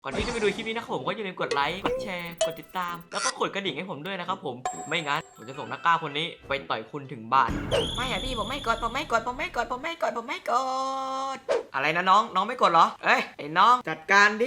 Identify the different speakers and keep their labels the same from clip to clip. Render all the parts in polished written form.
Speaker 1: ก่อนที่จะไปดูคลิปนี้นะครับผมก็อย่าลืมกดไลค์กดแชร์กดติดตามแล้วก็กดกระดิ่งให้ผมด้วยนะครับผมไม่งั้นผมจะส่งนักกล้าคนนี้ไปต่อยคุณถึงบ้านไม่อะพี่ผมไม่กดอะไรนะน้องไม่กดเหรอเอ้ยไอ้น้องจัดการดิ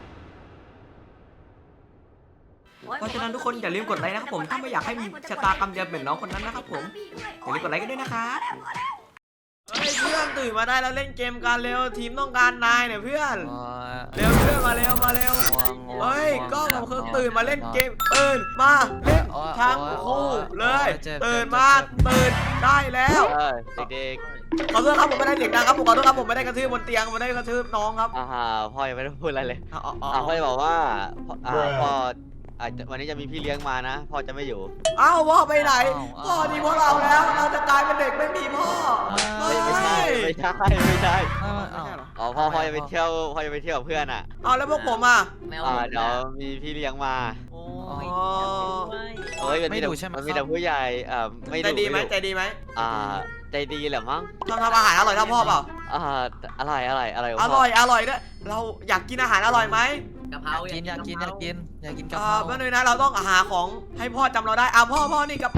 Speaker 1: เพราะฉะนั้นทุกคนอย่าลืมกดไลค์นะครับผมถ้าไม่อยากให้มีชะตากรรมเดียวเหมือนน้องคนนั้นนะครับผมอย่าลืมกดไลค์กันด้วยนะครับเฮ้ยเพื่อนตื่นมาได้แล้วเล่นเกมกันเร็วทีมต้องการนายเนี่ยเพื่อนเร็วเพื่อนมาเร็วเฮ้ยก็ผมคือตื่นมาเล่นเกมตื่นมาเล่นทั้งคู่เลยตื่นมาตื่นได้แล้ว
Speaker 2: เด็ก
Speaker 1: ขอโทษครับผมไม่ได้เด็กนะครับผมขอโทษครับผมไม่ได้กระทืบบนเตียงไม่ได้กระทืบน้องครับ
Speaker 2: พ่อยังไม่ได้พูดอะไรเลยพ่อจะบอกว่าพ่อวันนี้จะมีพี่เลี้ยงมานะพ่อจะไม่อยู่
Speaker 1: อ้าวพ่อไปไหนพ่อนี่พวกเราแล้วเราจะกลายเป็นเด็กไม่มีพ่อ
Speaker 2: ไม่ใช่พ่อจะไปเที่ยวกับเพื่อนอ่ะ
Speaker 1: แล้วพวกผมอ่ะ
Speaker 2: เดี๋ยวมีพี่เลี้ยงมา
Speaker 3: ไม่ดุใช่ไหม
Speaker 2: มีแต่ผู้ใหญ่ไม่ดุ
Speaker 1: ใจดีไหมใจดี
Speaker 2: แหละมั้ง
Speaker 1: ทำอาหารอร่อยเท่าพ่อเปล่า
Speaker 2: อะไร
Speaker 1: อร่อยด้วยเราอยากกินอาหารอร่อยไหม
Speaker 3: กะเพราอยากกินกะเพรา
Speaker 1: แป๊บนึงนะเราต้องหาของให้พ่อจำเราได้พ่อนี่กับ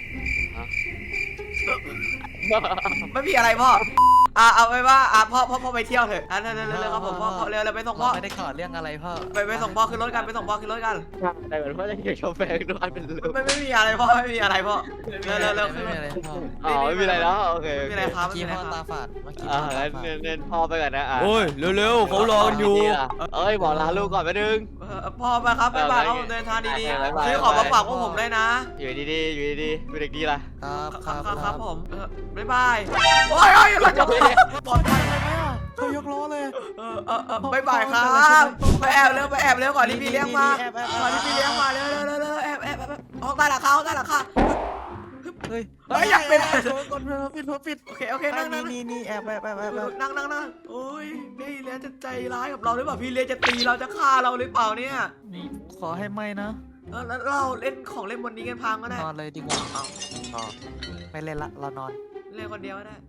Speaker 1: ไม่มีอะไรพ่อเอาไปว่าพ่อไปเที่ยวเถอะเร็วครับผมพ่อเร็วไปส่งพ่อ
Speaker 3: ไม่ได้ขอเรื่องอะไรพ่อ
Speaker 1: ไปส่งพ่อขึ้นรถกัน
Speaker 2: แต่เหมือนพ่อจะเกี่ยวกับแฟนด้วยเป็นลูก
Speaker 1: ไม่มีอะไรพ่อไม่มีอะไรพ่อเร็ว
Speaker 2: ไม่มีอะไรแล้วโอเค
Speaker 1: ไม่มีอะไรครับ
Speaker 3: พ่อตาฝาด
Speaker 2: เน้นพ่อไปก่อนนะ
Speaker 1: โอ้ยเร็วเขารออยู่
Speaker 2: บอกลาลูกก่อนไปดึง
Speaker 1: พ่อไปครับบ๊ายบายครับเดินทางดีๆซื้อของมาฝากพวกผมได้นะ
Speaker 2: อยู่ดีเป็นเด็กดีล่ะ
Speaker 1: ครับผมบ๊ายบายโอ้ยเราจะปลอดภัยเลยไหม
Speaker 3: เขายกล้อเลย
Speaker 1: บ๊ายบายครับไปแอบเร็วก่อนที่พี่เลี้ยงมาเร็วแอบออกใต้หลังคา
Speaker 3: เฮ้ย
Speaker 1: อยากเป็น
Speaker 3: ปิด
Speaker 1: โอเคนั่ง
Speaker 3: นี่แอบ
Speaker 1: นั่งโอ้ยพี่เลี้ยงจะใจร้ายกับเราหรือเปล่าพี่เลี้ยงจะตีเราจะฆ่าเราหรือเปล่าเนี่ย
Speaker 3: ขอให้ไม่นะ
Speaker 1: แล้วเราเล่นของเล่นบนนี้กันพังก็ได้
Speaker 3: นอนเลยดีกว่าไม่เล่นละเรานอน
Speaker 1: เล่นคนเดียวก็ได้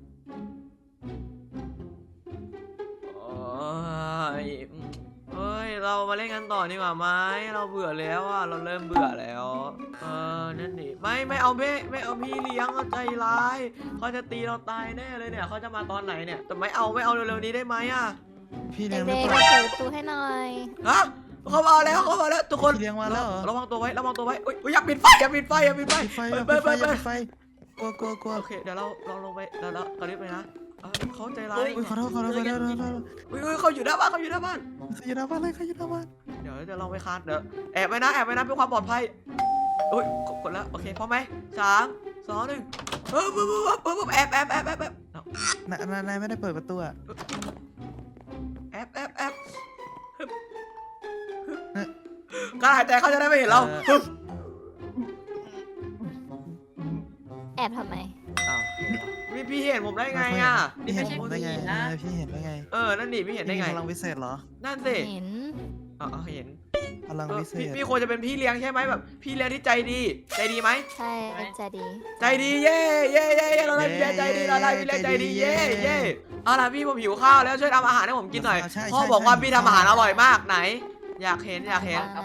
Speaker 1: เฮ้ยเรามาเล่นกันต่อดีกว่าไหมเราเบื่อแล้วเราเริ่มเบื่อแล้วนั่นดิไม่เอาพี่เลี้ยงเขาใจร้ายเขาจะตีเราตายแน่เลยเนี่ยเขาจะมาตอนไหนเนี่ยแต่ไม่เอาเร็วๆนี้ได้ไหม
Speaker 3: พี่เลี้ยง
Speaker 4: เด็กๆเปิดประตูให้หน่อย
Speaker 1: เขามาแล้วทุกคน
Speaker 3: เลี้ยงมาแล้ว
Speaker 1: ระวังตัวไว้อย่าปิดไฟกลัวโอเคเดี๋ยวเราลงไปแล้วตอนนี้ไปนะเขาใจร้าย
Speaker 3: ขอโทษเขา
Speaker 1: อยู่หน้าบ้าน
Speaker 3: เลยเขาอยู่หน้าบ้าน
Speaker 1: เดี๋ยวจะลองไปคานเดี๋ยวแอบไว้นะเพื่อความปลอดภัยกดแล้วโอเคพร้อมไหม3 2 1แอบ
Speaker 3: นายไม่ได้เปิดประตู
Speaker 1: แอบการหายใจเขาจะได้ไม่เห็นเรา
Speaker 4: แอบทำไม
Speaker 1: พี่เห็นผมได้ไง
Speaker 3: พี่เห็นได้ไง
Speaker 1: นั่นดิพี่เห็นได้ไง
Speaker 3: พลังวิเศษเหรอ
Speaker 1: นั่นสิ
Speaker 4: เห็น
Speaker 1: เห็น
Speaker 3: พลังวิเศษ
Speaker 1: พี่ควรจะเป็นพี่เลี้ยงใช่ไหมแบบพี่เลี้ยงที่ใจดีไหม
Speaker 4: ใช่ใจดี
Speaker 1: เย่เราได้พี่เลี้ยงใจดีเย่เอาล่ะพี่ผมหิวข้าวแล้วช่วยทำอาหารให้ผมกินหน่อยพ่อบอกว่าพี่ทำอาหารอร่อยมากไหนอยากเห็น
Speaker 4: กะเพรากะ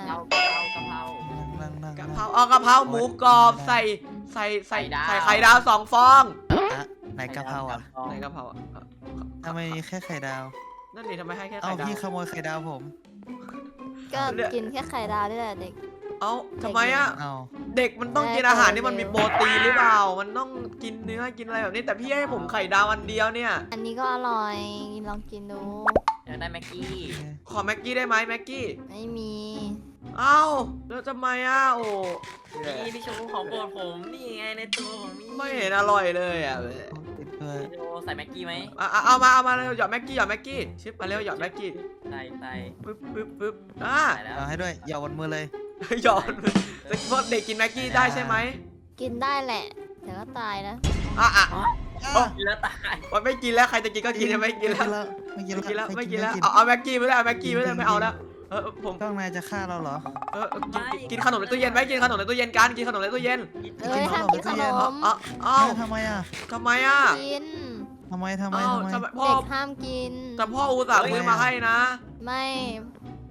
Speaker 1: เพราหมูกรอบใส่ไข่ดาว2 ฟอง
Speaker 3: ไหนกะเพราทำไมแค่ไข่ดาว
Speaker 1: นั่นดิทำไมให้แค่ไข่ดาว
Speaker 3: พี่ขโมยไข่ดาวผม
Speaker 4: ก็กินแค่ไข่ดาวนี่แหละเด็ก
Speaker 1: ทำไมเด็กมันต้องกินอาหารที่มันมีโปรตีนหรือเปล่ามันต้องกินเนื้อกินอะไรแบบนี้แต่พี่ให้ผมไข่ดาวอันเดียวเนี่ย
Speaker 4: อันนี้ก็อร่อยลองกินดู
Speaker 3: อยากได้แม็กกี้
Speaker 1: ขอแม็กกี้ได้ไหมแม็กกี้
Speaker 4: ไม่มี
Speaker 1: แล้วทำไมโอ้
Speaker 3: นี่พี่ชูของโปรดผมนี่ไงในตัวผม
Speaker 1: ไม่เห็นอร่อยเลย
Speaker 3: พี่ชูใส่แม็กกี้ไหม
Speaker 1: เอามาเร็วหยอดแม็กกี้ชิปมาเร็วหยอดแม็กกี้
Speaker 3: ใส่
Speaker 1: ปึ๊บ
Speaker 3: เอาให้ด้วยหยอดบนมือเลย
Speaker 1: หยอดพวกเด็กกินแม็กกี้ได้ใช่ไหม
Speaker 4: กินได้แหละแต่ก็ตายนะ
Speaker 3: กินแล้วตาย
Speaker 1: มันไม่กินแล้วใครจะกินก็กินไม่กินแล้วเอาแม็กกี้ไม่ได้ไม่เอาแล้ว
Speaker 3: ผมต้องนายจะฆ่าเราเหรอ
Speaker 1: กินขนมในตู้เย็นไหมกินขนมในตู้เย็นกันกินขนมในตู้เย็น
Speaker 4: ห้ามกินขนม
Speaker 3: ทำไม
Speaker 4: กิน
Speaker 3: ทำไม
Speaker 4: เด็กห้ามกิน
Speaker 1: แต่พ่ออุตส่าห์ซื้อมาให้นะ
Speaker 4: ไม่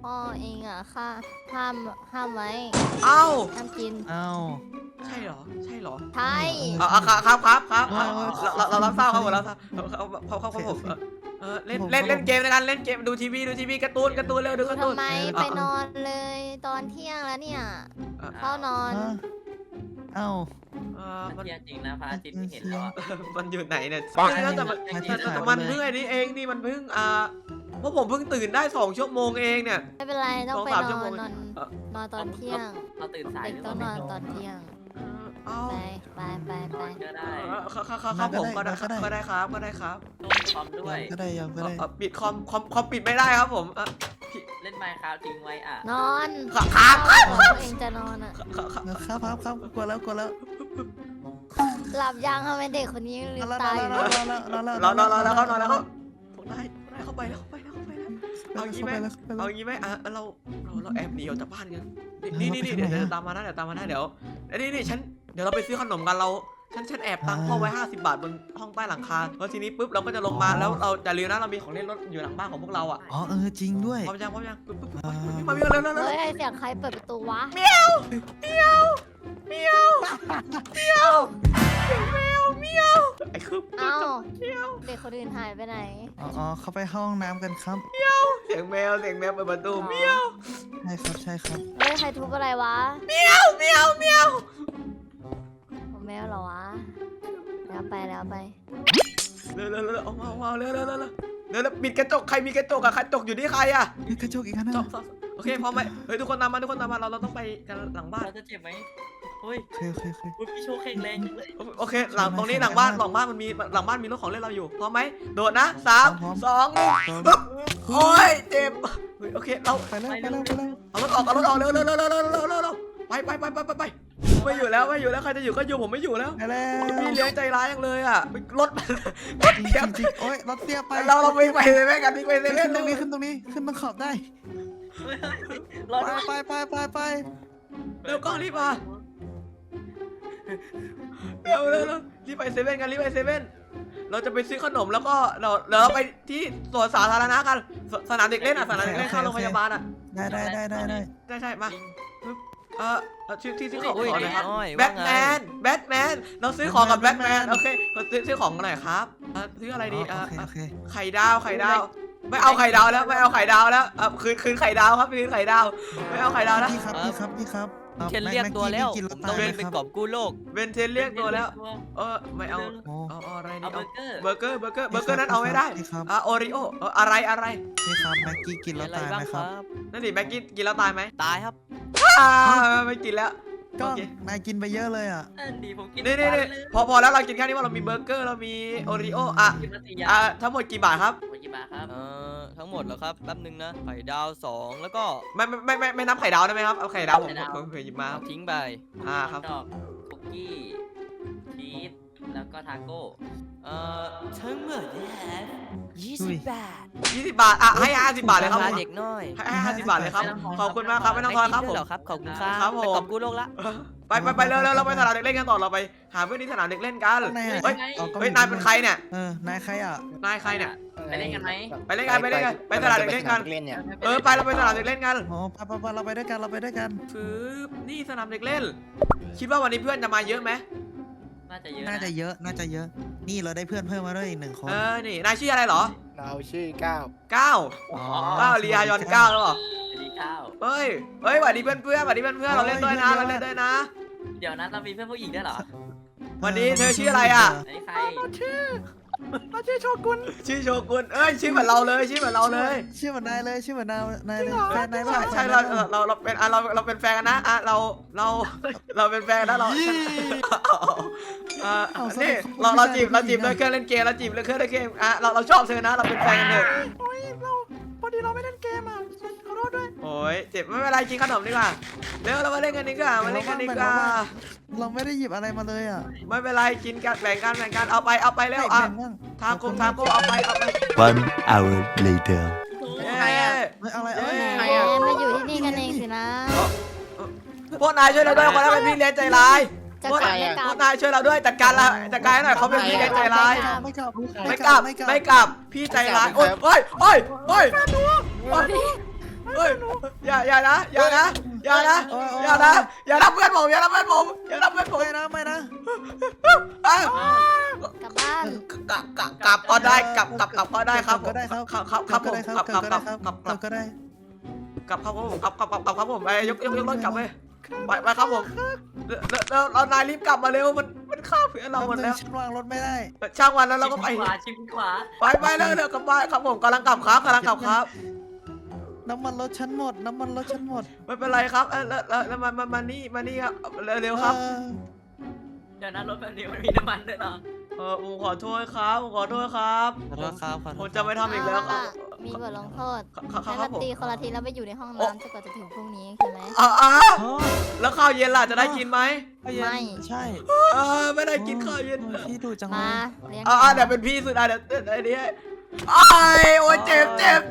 Speaker 4: พ่อเองอ่ะค่ะห้ามไว้
Speaker 1: เอ้า
Speaker 4: ห้ามกิน
Speaker 3: เอ้า
Speaker 1: ใช่เหรอใช่เหรอ
Speaker 4: ใช่
Speaker 1: ครับเรารับทราบครับผม
Speaker 3: ใช่
Speaker 1: รับทราบครับผมเล่นเกมในการเล่นเกมดูทีวีการ์ตูนเร็วดูการ์ตูน
Speaker 4: ทำไมไปนอนเลยตอนเที่ยงแล้วเนี่ยเข้านอน
Speaker 3: เอ้า
Speaker 1: มัน
Speaker 5: เที่ยงจริงนะพระอาทิตย์ไม่เห็นแล้วอะ
Speaker 1: มันอยู่ไหนเนี่ย
Speaker 3: ปัง
Speaker 1: แต่มันเพิ่งไอ้นี่เองนี่มันเพิ่งเพราะผมเพิ่งตื่นได้2 ชั่วโมงเองเนี่ย
Speaker 4: ไม่เป็นไรต้องไป
Speaker 1: 2-3
Speaker 4: น
Speaker 1: ชั่ว
Speaker 4: อ
Speaker 1: โม
Speaker 4: น
Speaker 1: ง
Speaker 4: นอนตอนเที่ยง
Speaker 5: เราตื่นสาย
Speaker 4: เด็ก
Speaker 5: หรือ
Speaker 4: ต้
Speaker 5: เป
Speaker 4: อง
Speaker 5: ล่าน
Speaker 4: อนตอนเที่ยง
Speaker 1: เอ้า
Speaker 4: ไป
Speaker 5: ก็ได้
Speaker 1: ครับผมก็ได้ครับ
Speaker 5: ต้มคอมด้วย
Speaker 3: ก็ได้ยังก็ได้
Speaker 1: ปิดคอมปิดไม่ได้ครับผม
Speaker 5: เล่นไมค์ครับทิ้งไว้อ่ะ
Speaker 4: นอน
Speaker 1: ครับ
Speaker 4: ตัวเองจะนอนอ่ะ
Speaker 3: ครับกลัวแล้ว
Speaker 4: หลับยังทำไมเด็กคนนี้ยังลืมตาอยู่เลย
Speaker 1: นอนแล้วครับผมได้เข้าไปแล้วเอางี้ไหมเราแอบหนีออกจากบ้านกันนี่เดี๋ยวตามมานะเดี๋ยวเดี๋ยวเราไปซื้อขนมกันฉันแอบตังค์พ่อไว้50 บาทบนห้องใต้หลังคาแล้วทีนี้ปุ๊บเราก็จะลงมาแล้วเราจะลืมนะเรามีของเล่นรถอยู่หลังบ้านของพวกเราอ่ะ
Speaker 3: อ๋อจริงด้วย
Speaker 1: พร้อมยังปุ๊บมาเร็ว
Speaker 4: เฮ้ยเสียงใครเปิดประตูวะ
Speaker 1: เมียวไอ้คือ
Speaker 4: เอ้า
Speaker 1: เมียว
Speaker 4: เด็กคนอื่นหายไปไหน
Speaker 3: อ๋อเขาไปห้องน้ำกันครับ
Speaker 1: เสียงแมวเปิดประตูเมียว
Speaker 3: ใช่ครับ
Speaker 4: เฮ้ยใครทุบอะไรวะ
Speaker 1: เมียว
Speaker 4: ผมแมวเหรอวะแล้วไป
Speaker 1: เร็วออกมาเร็วปิดกระจกใครมีกระจกอะกระจกอยู่ที่ใครอะ
Speaker 3: นี่กระจกอีกอันนึง
Speaker 1: โอเคพร้อมไหมเฮ้ยทุกคนตามมาเราต้องไปกันหลังบ้าน
Speaker 5: เราจะเจ็บไหมเฮ้ย
Speaker 3: โอเค
Speaker 5: พี่โชว์แข็งแรงจังเลย
Speaker 1: โอเคตรงนี้หลังบ้านมันมีรถของเล่นเราอยู่พร้อมไหมโดดนะ3 2 1โอ้ยเจ็บโอเคเรา
Speaker 3: ไปแล้ว
Speaker 1: เอารถออกเร็วไปไม่อยู่แล้วใครจะอยู่ก็อยู่ผมไม่อยู่แล้ว
Speaker 3: ไปแล้ว
Speaker 1: พี่เลี้ยงใจร้ายจังเลยอ่ะรถเทียบ
Speaker 3: จริงโอ๊ยรถเตี้ยไป
Speaker 1: เราวิ่งไปเลยแม่กันวิ่งไปเลย
Speaker 3: ขึ้นตรงนี้ขึ้นตรงขอบได้
Speaker 5: รอด้วย
Speaker 3: ไป
Speaker 1: เร็วกล้องรีบมาเร็วรีบไปเซเว่นกันเราจะไปซื้อขนมแล้วก็เราไปที่สวนสาธารณะกันสนามเด็กเล่นข้างโรงพยาบาลอ่ะ
Speaker 3: ได้
Speaker 1: ใช่มาชื่อที่ซื้อของก่อนนะครับแบทแมนเราซื้อของกับแบทแมนโอเคเราซื้อของกันหน่อยครับซื้ออะไรดี
Speaker 3: โอเค
Speaker 1: ไข่ดาวไม่เอาไข่ดาวแล้วคืนไข่ดาวครับคืนไข่ดาวไม่เอาไข่ดาวแล้ว
Speaker 3: พี่ครับ
Speaker 2: เคนเรียกตัวแล้วผมต้องเดินไปกอบกู้โลก
Speaker 1: เบนเทนเรียกตัวแล้วไม่เอาอะไร
Speaker 5: เอา
Speaker 1: นี่
Speaker 5: เบอร์เกอร์
Speaker 1: เบอร์เกอร์นั้นเอาไม่ได้โอริโออะไร
Speaker 3: พี่ครับแม็กกี้กินแล้วตายไหมครับ
Speaker 1: นั่นดิแม็กกี้กินแล้วตายไหม
Speaker 2: ตายครับ
Speaker 1: ไม่กินแล้ว
Speaker 3: ก็นายกินไปเยอะเลยอ่ะ
Speaker 5: นั่นดีผมกิน
Speaker 1: นี่พอแล้วเรากินแค่นี้ว่าเรามีเบอร์เกอร์เรามีโอริโอ
Speaker 5: กินมา4 อย่าง
Speaker 1: ทั้งหมดกี่บาทครับ
Speaker 5: กี่บาทครับ
Speaker 2: ทั้งหมดเหรอครับแป๊บนึงนะไข่ดาว2แล้วก็
Speaker 1: ไม่นับไข่ดาวได้ไหมครับเอาไข่ดาวผมเคยหยิบมา
Speaker 2: ทิ้งไป
Speaker 1: ครับ
Speaker 5: ดอกคุกกี้ชีสแล้วก็ทาโก้
Speaker 2: ทั้งหมดนะครับ20 บาท
Speaker 1: 20 บาทให้50 บาทเลยครับ
Speaker 2: เด็กน้อย
Speaker 1: ให้50 บาทเลยครับขอบคุณมากครับไม่ต้องทอนครับผม
Speaker 2: เหรอครับขอบคุณครับ
Speaker 1: ครับผม
Speaker 2: ไปกอบกู้โลกละ
Speaker 1: ไปเร็วเราไปสนามเด็กเล่นกันต่อเราไปหาเพื่อนที่สนามเด็กเล่นกันเฮ้ยนายเป็นใครเนี่ย
Speaker 3: นายใครอ่ะ
Speaker 1: นายใครเนี่ย
Speaker 5: ไปเล่นกันไหม
Speaker 1: ไปเล่นกันไปสนามเด็กเล่นกันไปเราไปสนามเด็กเล่นกัน
Speaker 3: อ๋อไปเราไปด้วยกัน
Speaker 1: ฟื้นนี่สนามเด็กเล่น คิดว่าวันนี้เพื่อนจะมาเยอะไหม
Speaker 5: น่าจะเยอะ
Speaker 3: น่าจะเยอะนี่เราได้เพื่อนเพิ่มมาด้วยอีก1 คน
Speaker 1: นี่นายชื่ออะไรเหรอ
Speaker 6: เราชื่อก้าว
Speaker 1: 9ลียายอน9แล้วเหรอ
Speaker 5: ดีข้าว
Speaker 1: เฮ้ยสวัสดีเพื่อนเราเล่นด้วยนะ
Speaker 5: เดี๋ยวนะเรามีเพื่อนผู้หญิงด้วยเหรอ
Speaker 1: วันนี้เธอชื่ออะไรอ่ะ
Speaker 5: ไอ้ใคร
Speaker 3: ชื่อโชกุน
Speaker 1: ชื่อโชกุนชื่อเหมือนเราเลย
Speaker 3: ชื่อเหมือนนายเลยแฟนนาย
Speaker 1: ใช่เราเป็นแฟนกันนะเราเป็นแฟนแล้วนี่เราจีบด้วยเครื่องเล่นเกมเราชอบเธอนะเราเป็นแฟนกันเถอะ
Speaker 3: พอดีเราไม่เล่นเกมอ่ะขอโทษด้วย
Speaker 1: โอ้ยเจ็บไม่เป็นไรกินขนมดีกว่าเร็วเรามาเล่นกันดีกว่า
Speaker 3: เราไม่ได้หยิบอะไรมาเลยอ่ะ
Speaker 1: ไม่เป็นไรกินกันแบ่งกันเอาไปเร็วทาโก้เอาไป
Speaker 7: 1 hour later
Speaker 1: ใครอ่ะ
Speaker 3: อะไร
Speaker 4: มาอยู่ที่นี่กันเองสินะ
Speaker 1: พวกนายช่วยเราด้วยคนนั้นเป็นพี่เลี้ยงใจร้ายพวกนายช่วยเราด้วยจัดการให้หน่อยเขาเป็นพี่เลี้ยงใจร้ายไม่กลับพี่ใจร้ายโอ้ยเฮ้ยอย่านะอย่านะอย่านะอย่านะอย่าทำเพื่อนผมอย่าทำเพื่อนผมอย่าทำเพื่อนผม
Speaker 3: ไม่นะ
Speaker 1: อ่ะ
Speaker 4: กลับบ้าน
Speaker 1: กลับก็ได้กลับก็ได้ครับ
Speaker 3: ก็ได้ครับ
Speaker 1: ครับผม
Speaker 3: ก็
Speaker 1: กลับ
Speaker 3: ได้ครับก็ได้
Speaker 1: กลับครับผมกลับครับผมไปยกรถกลับไปครับผมเรานายรีบกลับมาเร็วมันฆ่าเพื่อนเราหมดแล้ว
Speaker 3: ฉันวางรถไม่ได้
Speaker 1: ช่างวันแล้วเราก็ไป
Speaker 5: ขวาชิดขวา
Speaker 1: ไปเร็วกลับบ้านครับผมกำลังกลับครับ
Speaker 3: น้ำมันรถฉันหมด
Speaker 1: ไม่เป็นไรครับแล้วมานี่ครับเร็วครับ
Speaker 5: เดี๋ยวนะรถแบบนี้มันมีน้ำมันด้วยเนาะ
Speaker 1: ผมขอโทษครับผมจะไม่ทำอีกแล้วครับ
Speaker 4: มีบทลงโทษ
Speaker 1: ครั
Speaker 4: ให้
Speaker 1: บ
Speaker 4: มา
Speaker 1: ผม
Speaker 4: ตีคนละทีแล้วไปอยู่ในห้องน้ำจนกว่าจะถึงพรุ่งนี้ใช่ไหม
Speaker 1: แล้วข้าวเย็นล่ะจะได้กินไหม
Speaker 4: ไม่
Speaker 3: ใช่
Speaker 1: ไม่ได้กินข้าวเย็น
Speaker 3: พี่ดูจังเล
Speaker 4: มาย เลี้ยง
Speaker 1: เดี๋ยวเป็นพี่สุดเดี๋ยวไอ้นี่โอ้ยเจ็บ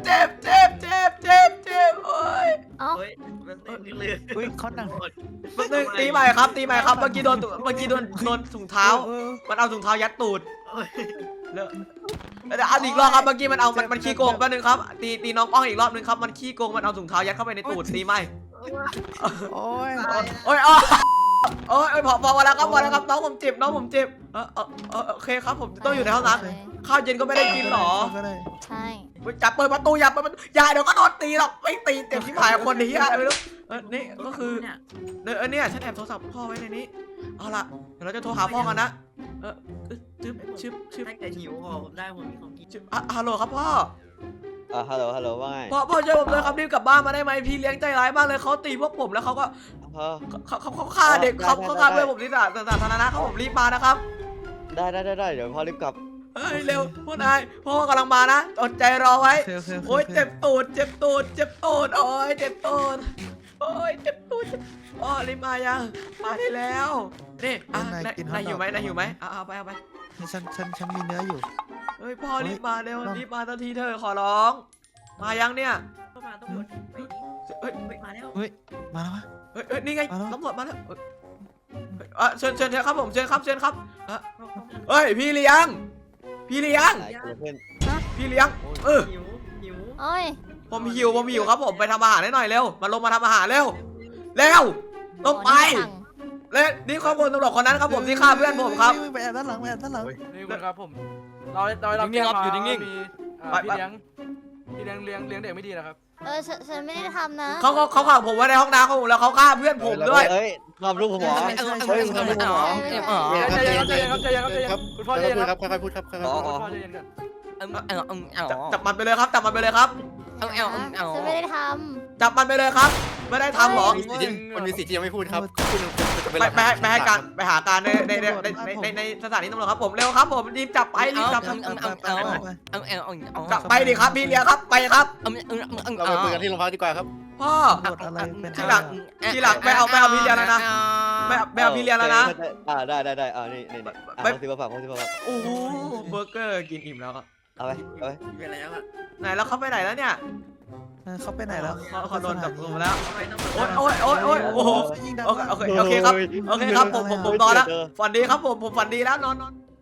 Speaker 1: โอ้ย
Speaker 4: เอ้า
Speaker 5: เฮ้ยมันเลือด
Speaker 3: อุ้ยเขาหนัง
Speaker 1: นึงตีใหม่ครับเมื่อกี้โดนถุงเท้ามันเอาถุงเท้ายัดตูดเดี๋ยวเอาอีกรอบครับเมื่อกี้มันขี้โกงแป๊บนึงครับตีน้องป้องอีกรอบนึงครับมันขี้โกงมันเอาถุงเท้ายัดเข้าไปในตูดตีใหม่
Speaker 3: โอ้ย
Speaker 1: โอ้ยพอแล้วครับน้องผมเจ็บโอเคครับผมต้องอยู่ในห้องน้ำข้าวเย็นก็ไม่ได้กินหรอ
Speaker 3: ก็ได้
Speaker 4: ใช่
Speaker 1: จับเปิดประตูอย่าเดี๋ยวก็โดนตีหรอกไม่ตีเต็มที่ผายคนนี้อะไรไม่รู้นี่ก็คือเนี่ยฉันแอบโทรศัพท์พ่อไว้ในนี้เอาล่ะเดี๋ยวเราจะโทรหาพ่อกันนะชึบ
Speaker 5: ถ้าเกิดหิวพอผมได้ผมมีของกิน
Speaker 1: ฮัลโหลครับพ่อ
Speaker 2: ฮัลโหลว่าไง
Speaker 1: พ่อช่วยผมด้วยครับรีบกลับบ้านมาได้ไหมพี่เลี้ยงใจร้ายมากเลยเขาตีพวกผมแล้วเขาก็ เขาฆ่าเด็กเขาฆ่าเพื่อนผมที่สาธารณะเขาผมรีบมานะครับ
Speaker 2: ได้เดี๋ยวพ่อรีบกลับ
Speaker 1: เฮ้ยเร็วพวกนายพ่อกำลังมานะอดใจรอไว้โอ้ยเจ็บตูดโอ้ยเจ็บตูดรีบมายังมาได้แล้วนี่นายหิวไหมเอาไป
Speaker 3: ฉันมีเนื้ออยู่
Speaker 1: เฮ้ยพ่อรีบมาเร็วรีบมาทันทีเธอขอร้องมายังเนี่ย
Speaker 5: เข้ามาต้องหมดไปนี่
Speaker 1: เฮ้ย
Speaker 5: มาแล้ว
Speaker 3: เฮ้ยมาแล้ววะ
Speaker 1: เฮ้ยนี่ไงตำรวจมาแล้วเชิญครับผมเชิญครับเฮ้ยพี่เลี้ยง
Speaker 2: ไหนเพื่อน
Speaker 1: พี่เลี้ยง
Speaker 5: หิว
Speaker 4: โอ้ย
Speaker 1: ผมหิวครับผมไปทำอาหารให้หน่อยเร็วมาลงมาทำอาหารเร็วลงไปและนี่ข้อมูลตำรวจคนนั้นครับผมที่ฆ่าเพื่อนผมครับ
Speaker 3: ไปแอบด้านหลัง
Speaker 6: นี่คุณครับผมเราแก้มาอยู่นิ่งๆพี่เลี้ยงเลี้ยงเด็กไม่ดีนะครับ
Speaker 4: ฉันไม่ได้ทำนะ
Speaker 1: เขาขังผมไว้ในห้องน้ำของผมแล้วเขาฆ่าเพื่อนผมด้วย
Speaker 2: เฮ้ยความรู้ผมหรอ
Speaker 6: ใจเย็นครับคุณพ่อใจเย็นครับ
Speaker 3: ค่อยๆพูดครับค่อย
Speaker 6: คุณพ่อใจเย็นกัน
Speaker 1: จับมันไปเลยครับ
Speaker 4: ฉันไม่ได้ท
Speaker 1: จับมันไปเลยครับไม่ได้ทำหรอ
Speaker 6: มันมีสิทธิ์ที่ยังไม่พูดครับ
Speaker 1: ไปหาการในสถานีตำรวจครับผมเร็วครับผมรีบจับไปจับไปดิครับพี่เลี้ยงครับไปครับ
Speaker 6: เราไปคุยกันที่โรงพักดีกว่าครับ
Speaker 1: พ่อ
Speaker 3: ๆบทอะไรเป็น
Speaker 1: ทีหลังไปเอาพี่เลี้ยงแล้วนะไปเอาพี่เลี้ยงแล้วนะ
Speaker 2: ได้นี่ซื้อมาฝาก
Speaker 1: โอ้โหเบอร์เกอร์กินอิ่มแล้ว
Speaker 2: เอาไป
Speaker 5: ไปแล้วอ่ะ
Speaker 1: ไหนแล้วเขาไปไหนแล้วเนี่ย
Speaker 3: เขาไปไหนแล้ว
Speaker 1: เขาโดนจับตัวมาแล้ว
Speaker 5: ทำไมต้อง
Speaker 1: โอ้โหโอเคครับผมนอนแล้วฝันดีครับผมฝันดีแล้วนอน